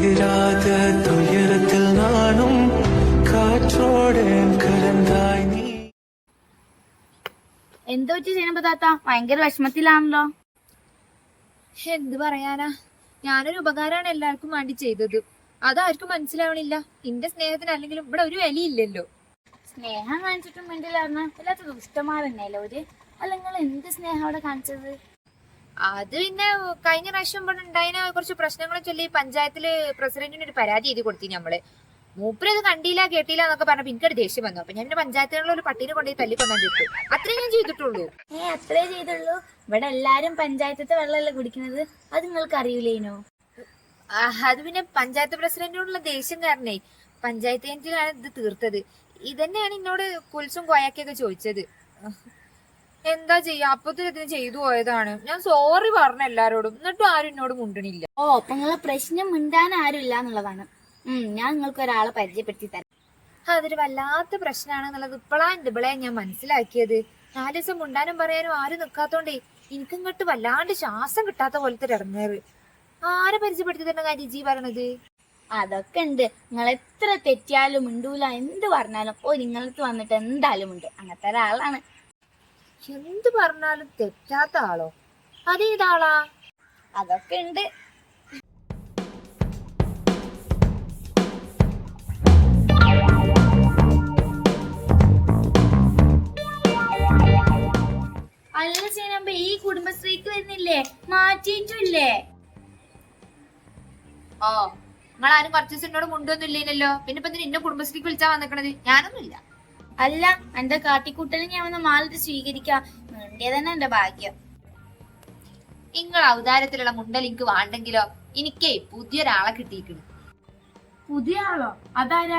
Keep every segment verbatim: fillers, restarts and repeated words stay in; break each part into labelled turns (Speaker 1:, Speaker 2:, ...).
Speaker 1: തീരാത തുയരത്തിൽ നാനും കാറ്റോടെ കലന്തായി നീ.
Speaker 2: എന്തോ ചെയ്യുമ്പോ താത്ത ഭയങ്കര വിഷമത്തിലാണല്ലോ.
Speaker 3: എന്ത് പറയാനാ, ഞാനൊരു ഉപകാരമാണ് എല്ലാവർക്കും വേണ്ടി ചെയ്തത്. അതാർക്കും മനസ്സിലാവണില്ല. എന്റെ സ്നേഹത്തിന് അല്ലെങ്കിലും ഇവിടെ ഒരു വിലയില്ലല്ലോ.
Speaker 2: സ്നേഹം കാണിച്ചിട്ടും വേണ്ടിയില്ലായിരുന്നു വല്ലാത്ത ദുഷ്ടന്മാരന്നെയല്ലോ ഒരു. അല്ല നിങ്ങൾ എന്ത് സ്നേഹം അവിടെ കാണിച്ചത്?
Speaker 3: അത് പിന്നെ കഴിഞ്ഞ പ്രാവശ്യം ഇവിടെ ഉണ്ടായതിന് കുറച്ച് പ്രശ്നങ്ങളെ ചൊല്ലി പഞ്ചായത്തില് പ്രസിഡന്റിന് ഒരു പരാതി എഴുതി കൊടുത്തി നമ്മള്. മൂപ്പര് അത് കണ്ടില്ല കേട്ടില്ല എന്നൊക്കെ പറഞ്ഞപ്പോ എനിക്കൊരു ദേഷ്യം വന്നു. അപ്പൊ ഞാൻ പഞ്ചായത്തിലുള്ള ഒരു പട്ടീനെ കൊണ്ടുപോയി തല്ലിക്കൊണ്ടിട്ടു. അത്രേ ഞാൻ ചെയ്തിട്ടുള്ളൂ.
Speaker 2: ഏ അത്രേ ചെയ്തുള്ളൂ? ഇവിടെ എല്ലാരും പഞ്ചായത്തത്തെ വെള്ളമല്ലേ കുടിക്കുന്നത്, അത് നിങ്ങൾക്ക് അറിയില്ലേനോ?
Speaker 3: അത് പിന്നെ പഞ്ചായത്ത് പ്രസിഡന്റിനോടുള്ള ദേഷ്യം കാരണേ പഞ്ചായത്ത് കേന്ദ്രത്തിലാണ് ഇത് തീർത്തത്. ഇതന്നെയാണ് എന്നോട് കുൽസും കോയാക്കിയൊക്കെ ചോദിച്ചത്. എന്താ ചെയ്യാ, അപ്പത്തിന് ഇതിന് ചെയ്തു പോയതാണ്. ഞാൻ സോറി പറഞ്ഞ എല്ലാരോടും, എന്നിട്ടും ആരും എന്നോട് മുണ്ടണില്ല.
Speaker 2: ഓ അപ്പൊ നിങ്ങളെ പ്രശ്നം മിണ്ടാൻ ആരും ഇല്ല എന്നുള്ളതാണ്. ഉം ഞാൻ നിങ്ങൾക്ക് ഒരാളെ പരിചയപ്പെടുത്തി തരാം.
Speaker 3: അതൊരു വല്ലാത്ത പ്രശ്നമാണെന്നുള്ളത് ഇപ്പോഴാ എന്റെ ഇവളെ ഞാൻ മനസ്സിലാക്കിയത്. നാല് ദിവസം മുണ്ടാനും പറയാനും ആരും നിൽക്കാത്തോണ്ടേ എനിക്കിങ്ങോട്ട് വല്ലാണ്ട് ശ്വാസം കിട്ടാത്ത പോലത്തെ ഇറങ്ങേറ്. ആരെ പരിചയപ്പെടുത്തി തരുന്ന കാര്യം ജി പറയണത്?
Speaker 2: അതൊക്കെ ഉണ്ട്. നിങ്ങൾ എത്ര തെറ്റിയാലും മിണ്ടൂല, എന്ത് പറഞ്ഞാലും ഓ നിങ്ങളടുത്ത് വന്നിട്ട് എന്തായാലും ഉണ്ട്. അങ്ങനത്തെ ഒരാളാണ്.
Speaker 3: എന്ത് പറഞ്ഞാലും തെറ്റാത്ത ആളോ? അതേതാളാ?
Speaker 2: അതൊക്കെ ഉണ്ട്. അല്ല ചെയ്യുമ്പോ ഈ കുടുംബശ്രീക്ക് വരുന്നില്ലേ, മാറ്റിയിട്ടില്ലേ?
Speaker 3: ഓ നിങ്ങളാരും കുറച്ച് ദിവസം എന്നോട് മുണ്ടൊന്നും ഇല്ലേനല്ലോ. പിന്നെ ഇപ്പൊ നിന്നെ കുടുംബശ്രീക്ക് വിളിച്ചാ വന്നിക്കണത്? ഞാനൊന്നുമില്ല.
Speaker 2: അല്ല എന്റെ കാട്ടിക്കൂട്ടലും ഞാൻ വന്ന് മാലിട്ട് സ്വീകരിക്കാം. വേണ്ടിയ തന്നെ എന്റെ ഭാഗ്യം.
Speaker 3: നിങ്ങൾ അവതാരത്തിലുള്ള മുണ്ടൽ എനിക്ക് വേണ്ടെങ്കിലോ എനിക്കേ പുതിയൊരാളെ കിട്ടിയിരിക്കണ്.
Speaker 2: പുതിയ ആളോ? അതാരാ?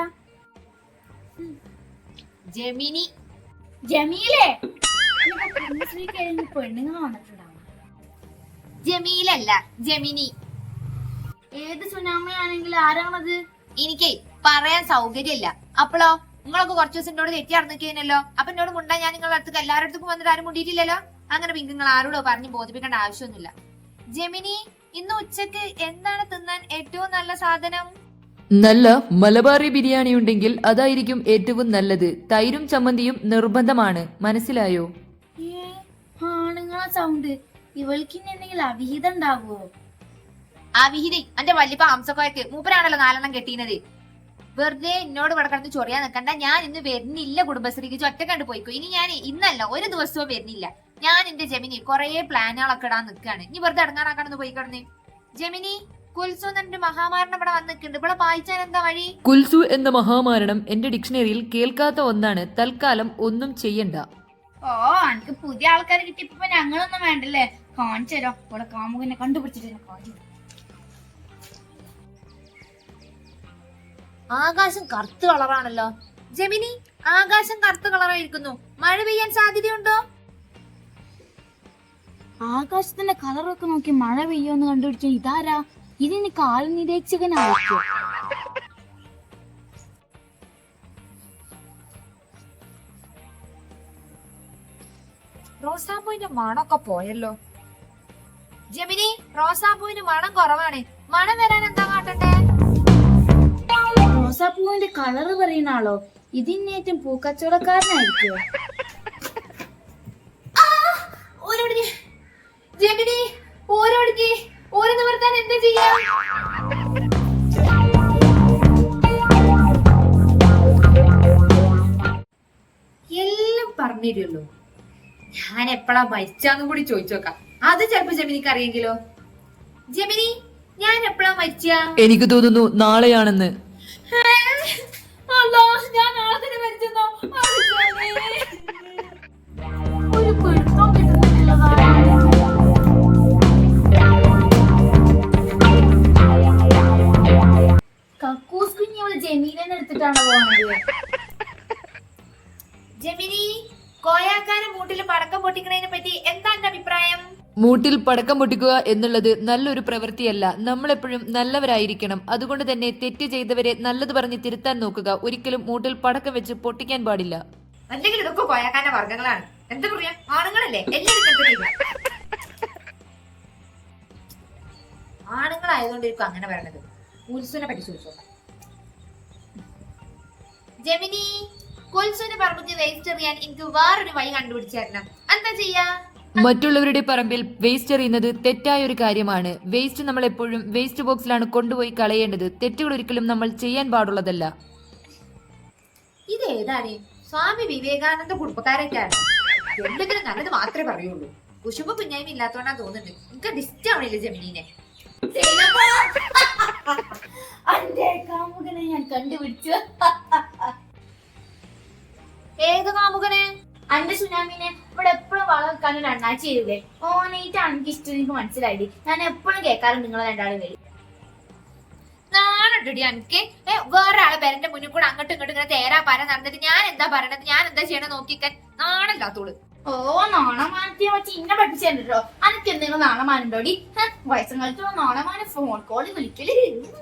Speaker 3: ജെമിനി.
Speaker 2: ജമീലേ? കുടുംബശ്രീ കഴിഞ്ഞ് പെണ്ണുങ്ങൾ വന്നിട്ടുണ്ടാവും.
Speaker 3: ജമീലല്ല, ജെമിനി.
Speaker 2: ഏത് സുനാമയാണെങ്കിലും ആരാണത്?
Speaker 3: എനിക്കേ പറയാൻ സൗകര്യമില്ല. അപ്പോളോ നിങ്ങളൊക്കെ കുറച്ചു ദിവസം എന്നോട് തെറ്റി നടന്നിരിക്കുന്നല്ലോ. അപ്പൊ എന്നോട് മുണ്ടാ ഞാൻ നിങ്ങളുടെ അടുത്ത് എല്ലാവരുടെ അടുത്തും വന്നിട്ട് ആരും മുണ്ടിയിട്ടില്ലല്ലോ. അങ്ങനെ പിന്നെ നിങ്ങൾ ആരോടോ പറഞ്ഞ് ബോധിപ്പിക്കേണ്ട ആവശ്യമൊന്നുമില്ല. ജെമിനി, ഇന്ന് ഉച്ചക്ക് എന്താണ് തിന്നാൻ ഏറ്റവും നല്ല സാധനം?
Speaker 4: നല്ല മലബാറി ബിരിയാണി ഉണ്ടെങ്കിൽ അതായിരിക്കും ഏറ്റവും നല്ലത്. തൈരും ചമ്മന്തിയും നിർബന്ധമാണ്, മനസ്സിലായോ?
Speaker 2: ഏ ആണുങ്ങളെ സൗണ്ട്. ഇവൾക്ക് ഇനി എന്തെങ്കിലും അവിഹിതം ഉണ്ടാകുവോ?
Speaker 3: ആ വിഹിതി എന്റെ വല്യപ്പ ഹംസക്കോയക്ക് മൂപ്പരാണല്ലോ നാലെണ്ണം കെട്ടിയത്. വെറുതെ എന്നോട് ഇവിടെ കിടന്ന് ചൊറിയാൻ നിൽക്കണ്ട. ഞാൻ ഇന്ന് വരുന്നില്ല കുടുംബശ്രീക്ക്. ഒറ്റ കണ്ടു പോയിക്കോ. ഇനി ഞാൻ ഇന്നല്ല ഒരു ദിവസവും വരുന്നില്ല. ഞാൻ എന്റെ ജെമിനി കുറെ പ്ലാനുകളൊക്കെ ഇടാൻ നിൽക്കാണ്. ഇനി വെറുതെ ഇടങ്ങാറാക്കാണെന്ന് പോയി കിടന്ന്. ജെമിനി, കുൽസു എന്റെ മഹാമാരണം ഇവിടെ വന്നിട്ടുണ്ട്. ഇവിടെ വായിച്ചാൽ എന്താ വഴി?
Speaker 4: കുൽസു എന്ന മഹാമാരണം എന്റെ ഡിക്ഷണറിയിൽ കേൾക്കാത്ത ഒന്നാണ്. തൽക്കാലം ഒന്നും ചെയ്യണ്ട.
Speaker 2: ഓ എനിക്ക് പുതിയ ആൾക്കാരെ കിട്ടിയപ്പോ ഞങ്ങളൊന്നും വേണ്ടല്ലേ. കാണിച്ചരോ ഇവിടെ കാമുകനെ കണ്ടുപിടിച്ചിട്ട് കാണിച്ചു.
Speaker 3: ആകാശം കറുത്ത കളറാണല്ലോ. ജെമിനി, ആകാശം കറുത്ത കളറായിരിക്കുന്നു. മഴ പെയ്യാൻ സാധ്യതയുണ്ടോ?
Speaker 2: ആകാശത്തിന്റെ കളറൊക്കെ നോക്കി മഴ പെയ്യോന്ന് കണ്ടുപിടിച്ച ഇതാരാ? ഇതിന് കാൽ നിരീക്ഷകനായിരിക്കും.
Speaker 3: റോസാപ്പൂവിന്റെ മണമൊക്കെ പോയല്ലോ. ജെമിനി, റോസാപ്പൂവിന് മണം കുറവാണ്. മണം വരാൻ എന്താ കാട്ടണ്ടേ?
Speaker 2: റോസാപ്പൂവിന്റെ കളറ് പറയുന്ന ആളോ? ഇതിന്നേറ്റം പൂക്കച്ചവടക്കാരനായിരിക്കോ?
Speaker 3: ജെമിനി, ഓരോടിക്ക് ഓരോ നിവർത്താൻ എന്താ ചെയ്യാ? എല്ലാം പറഞ്ഞിരുള്ളൂ. ഞാൻ എപ്പോഴാ മരിച്ചാന്നും കൂടി ചോദിച്ചോക്കാം. അത് ചിലപ്പോ ജെമിനിക്ക് അറിയെങ്കിലോ? ജെമിനി, ഞാൻ എപ്പോഴാ മരിച്ച?
Speaker 4: എനിക്ക് തോന്നുന്നു നാളെയാണെന്ന്.
Speaker 3: ഞാൻ നാളെ തന്നെ മരിച്ചെന്നോ?
Speaker 2: ഒരു പിടുത്തം കിട്ടുന്നില്ലതാ. കക്കൂസ് കുഞ്ഞി അവള് ജമീലനെ എടുത്തിട്ടാണ് പോകുന്നത്.
Speaker 3: ജെമിനി, കോയാക്കാനും മൂട്ടില് പടക്കം പൊട്ടിക്കണതിനെ പറ്റി എന്താ എന്റെ അഭിപ്രായം?
Speaker 4: മൂട്ടിൽ പടക്കം പൊട്ടിക്കുക എന്നുള്ളത് നല്ലൊരു പ്രവൃത്തിയല്ല. നമ്മളെപ്പോഴും നല്ലവരായിരിക്കണം. അതുകൊണ്ട് തന്നെ തെറ്റ് ചെയ്തവരെ നല്ലത് പറഞ്ഞ് തിരുത്താൻ നോക്കുക. ഒരിക്കലും മൂട്ടിൽ പടക്കം വെച്ച് പൊട്ടിക്കാൻ പാടില്ല.
Speaker 3: അല്ലെങ്കിൽ ഇതൊക്കെ കോയാക്കാന്റെ വർഗ്ഗങ്ങളാണ്. എന്താ പറയാ, ആണുങ്ങളല്ലേ എല്ലാവരും. ആണുങ്ങളായതുകൊണ്ട് ഇരിക്കും അങ്ങനെ പറയണത്. കുൽസുനെ പറ്റി ചോദിച്ചോളാം. ജെമിനി, കുൽസുന്റെ പറമ്പിൽ വേസ്റ്റ് എറിയാൻ എനിക്ക് വേറൊരു വഴി കണ്ടുപിടിച്ചു തരണം. എന്താ ചെയ്യാ?
Speaker 4: മറ്റുള്ളവരുടെ പറമ്പിൽ വേസ്റ്റ് എറിയുന്നത് തെറ്റായ ഒരു കാര്യമാണ്. വേസ്റ്റ് നമ്മൾ എപ്പോഴും വേസ്റ്റ് ബോക്സിലാണ് കൊണ്ടുപോയി കളയേണ്ടത്. തെറ്റുകൾ ഒരിക്കലും നമ്മൾ ചെയ്യാൻ പാടുള്ളതല്ല.
Speaker 3: ഇതേതാണ്? സ്വാമി വിവേകാനന്ദ കുടുംബക്കാരൊക്കെയാണ്. എന്തെങ്കിലും നല്ലത് മാത്രമേ പറയുള്ളൂ. കുശുമ്പ് കുഞ്ഞായ്മ ഇല്ലാത്തോണ്ടാ തോന്നുന്നുണ്ട്. എനിക്ക് ഡിസ്റ്റ് ആവണില്ല ജെമിനിനെ.
Speaker 2: അന്റെ കാമുകനെ ഞാൻ കണ്ടുപിടിച്ചു.
Speaker 3: ഏത് കാമുകനെ?
Speaker 2: അന്റെ സുനാമിനെ ഇവിടെ എപ്പോഴും വളം വെക്കാൻ ഒരു അണ്ണാച്ചി ചെയ്തേ. ഓനായിട്ടാണ് എനിക്ക് ഇഷ്ടം. എനിക്ക് മനസ്സിലായി. ഞാൻ എപ്പോഴും കേൾക്കാറുണ്ട് നിങ്ങളെ രണ്ടാളും വരും.
Speaker 3: നാണുണ്ടടി എനിക്ക്. വേറെ ആളെ പേരന്റെ മുന്നിൽ കൂടെ അങ്ങോട്ടും ഇങ്ങോട്ടും ഇങ്ങനെ തേരാ പാര നടന്നിട്ട് ഞാൻ എന്താ പറയണത്, ഞാൻ എന്താ ചെയ്യണത് നോക്കിക്കാൻ നാണല്ലാത്തോള്.
Speaker 2: ഓ നാണമാനത്തെ വെച്ച് ഇന്നെ പഠിപ്പിച്ചോ. അനക്ക് എന്തെങ്കിലും നാണമാനുണ്ടോടി? വയസ്സം കാലത്ത് നാണമാന ഫോൺ കോള് വിളിക്കല്.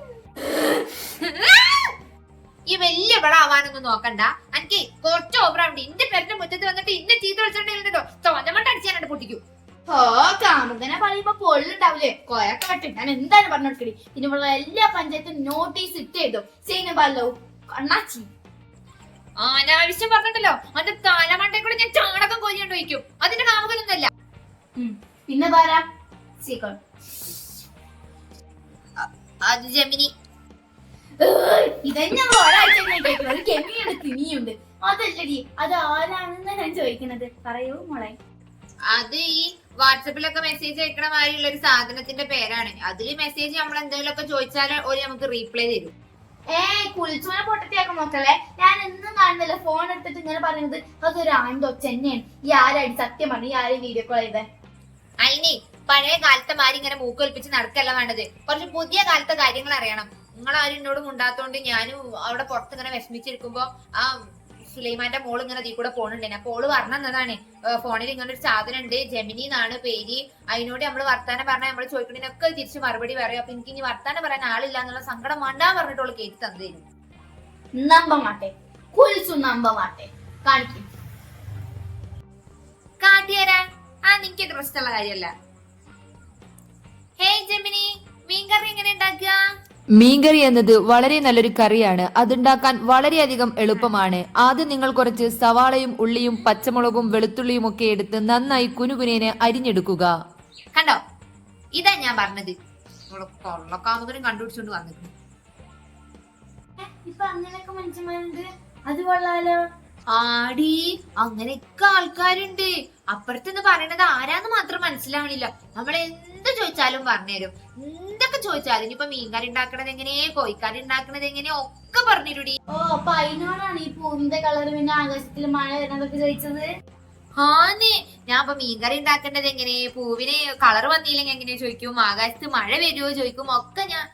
Speaker 3: ഈ വലിയ വിളാവാനൊന്നും നോക്കണ്ട. എനിക്ക് കുറച്ച് ഓവറാവുണ്ട്. ഇന്റെ പേരന്റെ മുറ്റത്ത് വന്നിട്ട് ഇന്നെ ചീത്ത വിളിച്ചിട്ടുണ്ടോ തോന്നമട്ട് അടിച്ചാനായിട്ട് പൊട്ടിക്കും.
Speaker 2: ഓ കാമുകനെ പറയുമ്പോ പൊള്ളുണ്ടാവില്ലേ? കൊയൊക്കെ പറ്റും. ഞാൻ എന്തായാലും പറഞ്ഞു കൊടുക്കടി. ഇതിനുള്ള എല്ലാ പഞ്ചായത്തും നോട്ടീസ് ഇട്ട് ചെയ്തോ. ചെയ്യുന്നല്ലോ അണ്ണാച്ചി.
Speaker 3: അനാവശ്യം പറഞ്ഞിട്ടല്ലോ അതിന്റെ തലമണ്ടേ കൂടെ ഞാൻ ചാണകം കൊല്ലിയോണ്ട് വയ്ക്കും. അതിന്റെ കാമുകനൊന്നല്ല.
Speaker 2: പിന്നെ പാരാ സീക്കോൾ.
Speaker 3: അത് ജെമിനി.
Speaker 2: ഇതന്നെ ഒരാഴ്ച കേൾക്കുന്നത്. കെമിയുടെ തിനിയുണ്ട്. അതല്ലടി, അത് ആരാണെന്ന് ഞാൻ ചോദിക്കുന്നത്. പറയൂ മോളെ.
Speaker 3: അത് ഈ വാട്സപ്പിലൊക്കെ മെസ്സേജ് അയക്കണ മാതിരിയുള്ള ഒരു സാധനത്തിന്റെ പേരാണ്. അതില് മെസ്സേജ് നമ്മൾ എന്തെങ്കിലും ഒക്കെ ചോദിച്ചാൽ ഒരു നമുക്ക് റീപ്ലൈ തരും.
Speaker 2: ഏയ് കുളിച്ചോനെ പൊട്ടത്തിയാക്കാൻ നോക്കല്ലേ. ഞാൻ എന്നും കാണുന്നില്ല ഫോൺ എടുത്തിട്ട് ഇങ്ങനെ പറയുന്നത് അതൊരു ആണ്ടോ ചെന്നെയാണ്. ഈ ആരാടി സത്യം പറഞ്ഞു? ഈ ആരും വീഡിയോ കോൾ ചെയ്തേ?
Speaker 3: അയിനെ പഴയ കാലത്തെ മാതിരി ഇങ്ങനെ മൂക്കൊലിപ്പിച്ച് നടക്കല്ല വേണ്ടത്. കുറച്ച് പുതിയ കാലത്തെ കാര്യങ്ങൾ അറിയണം. നിങ്ങളാരും എന്നോട് മുണ്ടാത്തോണ്ട് ഞാനും അവിടെ പുറത്ത് ഇങ്ങനെ വിഷമിച്ചിരിക്കുമ്പോ ആ സുലൈമാന്റെ മോള് ഇങ്ങനെ അതിൽ കൂടെ പോണുണ്ടേനെ. അപ്പൊ ഓള് പറഞ്ഞതാണ് ഫോണിൽ ഇങ്ങനെ ഒരു സാധനം ഉണ്ട്, ജെമിനി എന്നാണ് പേര്. അതിനോട് നമ്മള് വർത്താനം പറഞ്ഞാൽ നമ്മള് ചോദിക്കണതിനൊക്കെ തിരിച്ച് മറുപടി പറയും. അപ്പൊ എനിക്ക് ഇനി വർത്താനം പറയാൻ ആളില്ല എന്നുള്ള സങ്കടം വേണ്ടാ പറഞ്ഞിട്ട് ഓള് കേട്ട് തന്നേരും.
Speaker 2: നമ്പ മാട്ടെ കുൽസു, നമ്പ മാട്ടെ. കാണിക്കും
Speaker 3: കാട്ടിയരാ. ആ നിനക്ക് ഇൻട്രസ്റ്റ് ഉള്ള കാര്യമല്ല. ഹേയ് ജെമിനി, മീൻകറി എങ്ങനെ ഉണ്ടാക്കുക?
Speaker 4: മീൻകറി എന്നത് വളരെ നല്ലൊരു കറിയാണ്. അതുണ്ടാക്കാൻ വളരെയധികം എളുപ്പമാണ്. ആദ്യം നിങ്ങൾ കുറച്ച് സവാളയും ഉള്ളിയും പച്ചമുളകും വെളുത്തുള്ളിയും ഒക്കെ എടുത്ത് നന്നായി കുനുകുനേനെ അരിഞ്ഞെടുക്കുക.
Speaker 3: കണ്ടോ, ഇതാ ഞാൻ പറഞ്ഞത്. കൊള്ളക്കാമുകനും കണ്ടുപിടിച്ചോണ്ട് വന്നിട്ടുണ്ട്.
Speaker 2: ഇപ്പൊ അങ്ങനെയൊക്കെ മനുഷ്യന്മാരുണ്ട്. അത് കൊള്ളാലോ.
Speaker 3: ആടി, അങ്ങനെയൊക്കെ ആൾക്കാരുണ്ട്. അപ്പുറത്തെന്ന് പറയണത് ആരാന്ന് മാത്രം മനസ്സിലാവണില്ല. നമ്മൾ എന്ത് ചോദിച്ചാലും പറഞ്ഞുതരും. എന്തൊക്കെ ചോദിച്ചാലും ഇനിയിപ്പൊ മീൻകറി ഉണ്ടാക്കണത് എങ്ങനെയെ, കോഴിക്കറി ഉണ്ടാക്കണത് എങ്ങനെയോ ഒക്കെ പറഞ്ഞിരുടി.
Speaker 2: ഓ അപ്പൊ അതിനോടാണ് ഈ പൂവിന്റെ കളർ പിന്നെ ആകാശത്തിൽ മഴ വരുന്നതൊക്കെ ചോദിച്ചത്.
Speaker 3: ആന്നേ, ഞാൻ ഇപ്പൊ മീൻകറി ഉണ്ടാക്കേണ്ടത് എങ്ങനെ, പൂവിന് കളർ വന്നില്ലെങ്കിൽ എങ്ങനെയാ ചോദിക്കും, ആകാശത്ത് മഴ വരുമോ ചോദിക്കും. ഒക്കെ ഞാൻ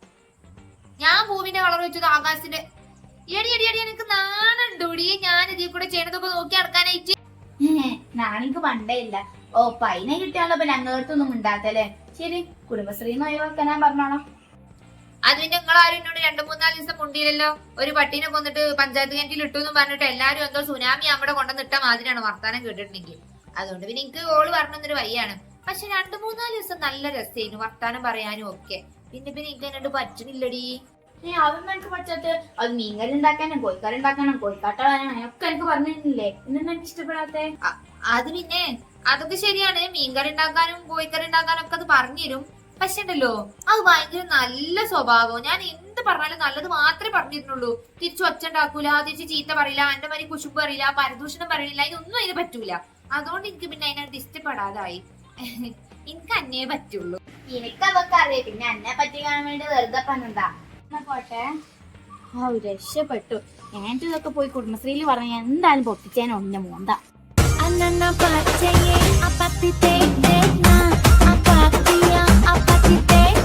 Speaker 3: ഞാൻ പൂവിന്റെ കളർ വെച്ചത് ആകാശത്തിന്റെ. എടി എടി എടി എനിക്ക് നാണുണ്ടോടി ഞാൻ ഇതിൽ കൂടെ ചെയ്യണതൊക്കെ നോക്കി നടക്കാനായിട്ട്.
Speaker 2: നാണിക്ക് പണ്ടേ ഇല്ല. ഓ പൈനെ കിട്ടിയാണല്ലോ ഇപ്പൊ ഞങ്ങളടുത്തൊന്നും ഉണ്ടാത്തല്ലേ. ശരി, കുടുംബശ്രീന്ന് ഒഴിവാക്കാൻ ഞാൻ പറഞ്ഞോളാം.
Speaker 3: അത് പിന്നെ നിങ്ങളാരും എന്നോട് രണ്ടു മൂന്നാല് ദിവസം മുണ്ടിയില്ലല്ലോ. ഒരു പട്ടീനെ കൊന്നിട്ട് പഞ്ചായത്ത് കിണറ്റിൽ ഇട്ടു എന്ന് പറഞ്ഞിട്ട് എല്ലാരും എന്തോ സുനാമി അവിടെ കൊണ്ടുവന്നിട്ട മാതിരിയാണ് വർത്താനം കേട്ടിട്ടുണ്ടെങ്കിൽ. അതുകൊണ്ട് പിന്നെ എനിക്ക് ഓള് പറഞ്ഞൊരു വയ്യാണ്. പക്ഷെ രണ്ടു മൂന്നാല് ദിവസം നല്ല രസമായിരുന്നു വർത്താനം പറയാനും ഒക്കെ. പിന്നെ പിന്നെ എനിക്ക് എന്നോട് പറ്റണില്ലടി.
Speaker 2: ഏ അതൊന്നും എനിക്ക് പറ്റാത്ത. അത് മീൻകറി ഉണ്ടാക്കാനും കോഴിക്കറി ഉണ്ടാക്കാനും കോഴിക്കാട്ട വരാനും ഒക്കെ എനിക്ക് പറഞ്ഞിരുന്നില്ലേ. ഇന്നെന്താ എനിക്ക് ഇഷ്ടപ്പെടാത്തെ?
Speaker 3: അത് പിന്നെ അതൊക്കെ ശരിയാണ്. മീൻകറി ഉണ്ടാക്കാനും കോഴിക്കറി ഉണ്ടാക്കാനും ഒക്കെ അത് പറഞ്ഞുതരും. പക്ഷെ ഉണ്ടല്ലോ അത് ഭയങ്കര നല്ല സ്വഭാവം. ഞാൻ എന്ത് പറഞ്ഞാലും നല്ലത് മാത്രമേ പറഞ്ഞിരുന്നുള്ളൂ. തിരിച്ചു ഒച്ച ഉണ്ടാക്കൂല, തിരിച്ച് ചീത്ത പറയില്ല, എന്റെ മാതിരി കുശുമ്പ് പറയില്ല, പരദൂഷണം പറയില്ല. ഇതൊന്നും അതിന് പറ്റൂല. അതുകൊണ്ട് എനിക്ക് പിന്നെ അതിനകത്ത് ഇഷ്ടപ്പെടാതായി. എനിക്ക് അന്നേ പറ്റുള്ളൂ.
Speaker 2: എനിക്കതൊക്കെ അറിയാം. പിന്നെ എന്നെ പറ്റി കാണാൻ വേണ്ടി വെറുതെ പറഞ്ഞതാ. പോട്ടെ. ഓ രക്ഷപ്പെട്ടു. ഞാൻ ഇതൊക്കെ പോയി കുടുംബശ്രീയിൽ പറഞ്ഞ എന്തായാലും പൊട്ടിച്ചേനെ ഒന്നെ മോന്ത.
Speaker 5: Anana pache, apatite, na, apatía, apatite.